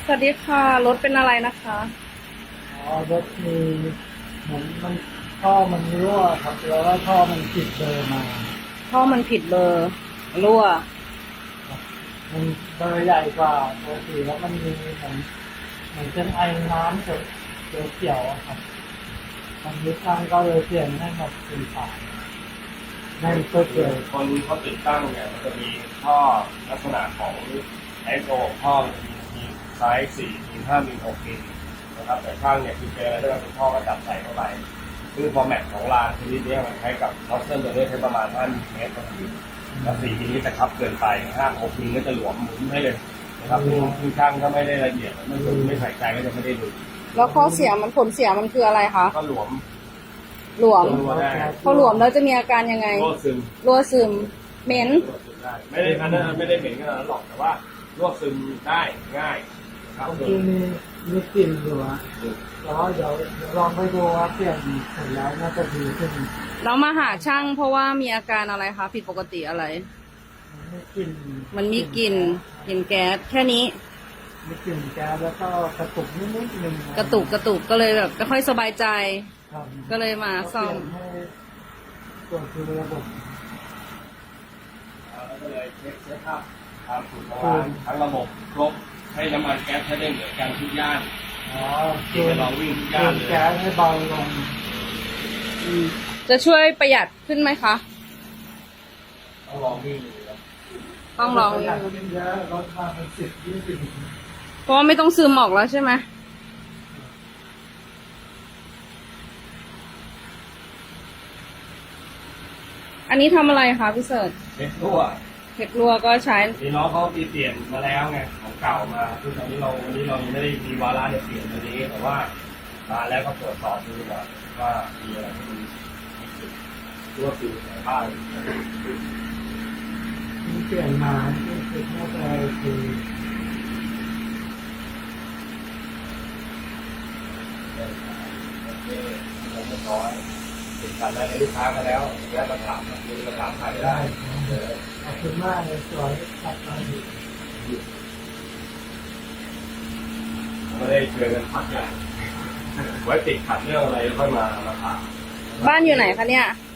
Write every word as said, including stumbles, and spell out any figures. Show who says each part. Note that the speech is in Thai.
Speaker 1: สวัสดีค่ะรถเป็นอะไรนะคะ
Speaker 2: อ๋อรถมีเหมือนมันท่อมันรั่วครับแล้วก็ท่อมันติดเบอร์มา
Speaker 1: ท่อมันผิดเบอร์รั่ว
Speaker 2: ครับมันเบอร์ใหญ่กว่าปกติแล้วมันมีเหมือนเหมือนเป็นไอน้ำเขียวเขียวๆอะครับทางนี้ช่างก็เลยเปลี่ยนให้มาเป็นฝาให้เพื่อเกิด
Speaker 3: คนเขาติดตั้งเนี่ยมันจะมีท่อลักษณะของไอโซท่อมีไซส์สี่มีห้ามีหกมิลนะครับแต่ช่างเนี่ยคือเจอแล้วเป็นท่อก็จับใส่เข้าไปคือฟอร์แมตของรางชนิดนี้มันใช้กับน็อตเส้นตัวนี้ใช้ประมาณห้ามิลเมตรต่อมิลแล้วสี่มิลลิจะคับเกินไปห้าหกมิลก็จะหลวมหมุนให้เลยนะครับคือช่างก็ไม่ได้ละเอียดไม่ดูไม่ใส่ใจก็จะไม่ได้ดู
Speaker 1: แล้วข้อเสียมันผลเสียมันคืออะไรคะ
Speaker 3: ก็หลวม
Speaker 1: หลวม
Speaker 3: รั่วได้
Speaker 1: พอหลวมแล้วจะมีอาการยังไง
Speaker 3: รั่วซึม
Speaker 1: รั่วซึมเหม็น
Speaker 3: ไม่ได้อันนั้นไม่ได้เหม็นขนาดนั้นหรอกแต่ว่ารั่วซึมได้ง่ายครับ
Speaker 2: บางทีมีมีกลิ่นอยู่อะแต่ว่าเดี๋ยวเดี๋ยวลองไปดูว่าเปลี่ยนเสร็จแล้วน่าจะดีขึ้น
Speaker 1: เรามาหาช่างเพราะว่ามีอาการอะไรคะผิดปกติอะไร
Speaker 2: มันไม่กลิ่น
Speaker 1: มันมีกลิ่นกลิ่นแก๊สแค่นี้
Speaker 2: มีกลิ่นแก๊สแล้วก็กระตุกนิดๆนึง
Speaker 1: กระตุกกระตุกก็เลยแบบไม่ค่อยสบายใจ
Speaker 2: ครับ
Speaker 1: ก็เลยมาซ่อม
Speaker 2: เปลี่ยนให้ส่วนคือระบบ
Speaker 3: แล้วก็เลยเช็คเช็คอัพความถูกของร้านทั้งระบบครบให้น้ำมันแก๊สใช้ได้เหมือนกันทุกย่าน
Speaker 2: อ๋อ
Speaker 3: ที่ไปลองวิ่งทุก
Speaker 2: เป
Speaker 3: ย่าน
Speaker 2: ลี่ยน
Speaker 3: เลย
Speaker 2: แก๊สให้เบาลง
Speaker 1: จะช่วยประหยัดขึ้นไหมคะ
Speaker 3: ต้องลองวิ่งดูครับ
Speaker 1: ต้องลอง
Speaker 2: ประหยัดขึ้นเยอะลดมาเป็นสิบยี่สิบ
Speaker 1: เพราะว่าไม่ต้องซึมออกแล้วใช่ไหมอันนี้ทำอะไรคะพี่เสิร์ช
Speaker 3: เช็ครั่ว
Speaker 1: เทครัวก็ใช้
Speaker 3: มีน้องเขาตีเปลี่ยนมาแล้วไงของเก่ามาคือตอนนี้เราวันนี้เรายังไม่ได้มีวาระจะเปลี่ยนตัวนี้แต่ว่ามาแล้วก็ตรวจสอบดูว่าว่ามีอะไรที่มันมีจุดรั่วซึมในบ้าน
Speaker 2: ที่เปลี่ยนมาที่คือน่าจะคือ
Speaker 3: เรียบร้อยติดกันแล้วลูกค้ามาแล้วแล้วมาถามมีมาถามใครได้
Speaker 2: ขอบคุณมากเลยสวยตัดมาดี
Speaker 3: ไม่ได้เจอกันพักใหญ่ไว้ติดขัดเรื่องอะไรค่อยมามาถาม
Speaker 1: บ้านอยู่ไหนคะเนี่ย
Speaker 3: อ